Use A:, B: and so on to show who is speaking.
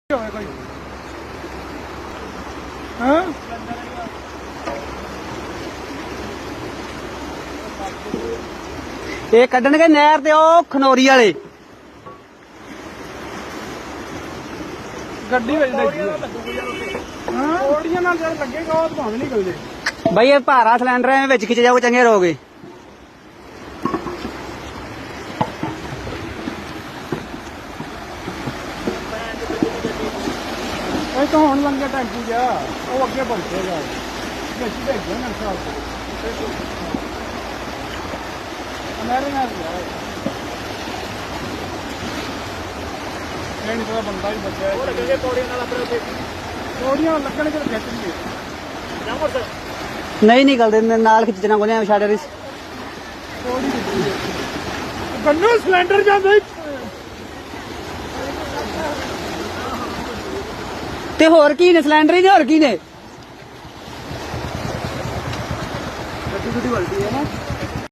A: ਕੋਈ ਹਾਂ
B: ਇਹ ਕੱਢਣਗੇ ਨਹਿਰ ਤੇ ਉਹ ਖਨੌਰੀ ਵਾਲੇ
A: ਗੱਡੀ ਵਿੱਚ ਹਾਂ ਕੋੜੀਆਂ ਨਾਲ ਜਦ ਲੱਗੇਗਾ ਉਹ ਭਾਵੇਂ ਨਿਕਲ ਜੇ
B: ਬਈ ਇਹ ਭਾਰਾ ਸਿਲੰਡਰ ਐ ਵਿੱਚ ਖਿੱਚ ਜਾਓ ਚੰਗੇ ਰਹੋਗੇ।
A: ਇਹ ਤਾਂ ਹੁਣ ਲੰਘੇ ਟੈਂਪੂ ਜਾ ਉਹ ਅੱਗੇ ਪਹੁੰਚੇਗਾ ਵਿੱਚ ਭੇਜਿਆ ਨਾ ਸਾਲ ਮੇਰੇ ਨਾਲ ਇਹ ਨਹੀਂ ਪਤਾ ਬੰਦਾ ਹੀ ਬਚਿਆ ਉਹ ਲੱਗਣਗੇ ਕੋੜੀਆਂ ਨਾਲ ਆਪਣੇ ਉੱਤੇ ਕੋੜੀਆਂ ਲੱਗਣਗੇ ਤਾਂ ਖਿੱਚਣਗੇ ਜਾਮਰ ਸਰ
B: ਨਹੀਂ ਨਿਕਲਦੇ ਨਾਲ ਖਿੱਚਣਾ ਕੋਈ ਨਹੀਂ ਛੱਡ ਰਿਸ
A: ਗੰਨੂ ਸਿਲੰਡਰ ਜਾਂਦਾ
B: ਤੇ ਹੋਰ ਕੀ ਨੇ ਸਿਲੰਡਰ ਹੀ ਨੇ ਹੋਰ ਕੀ ਨੇ
A: ਗੱਡੀ ਵੱਲਦੀ ਹੈ ਨਾ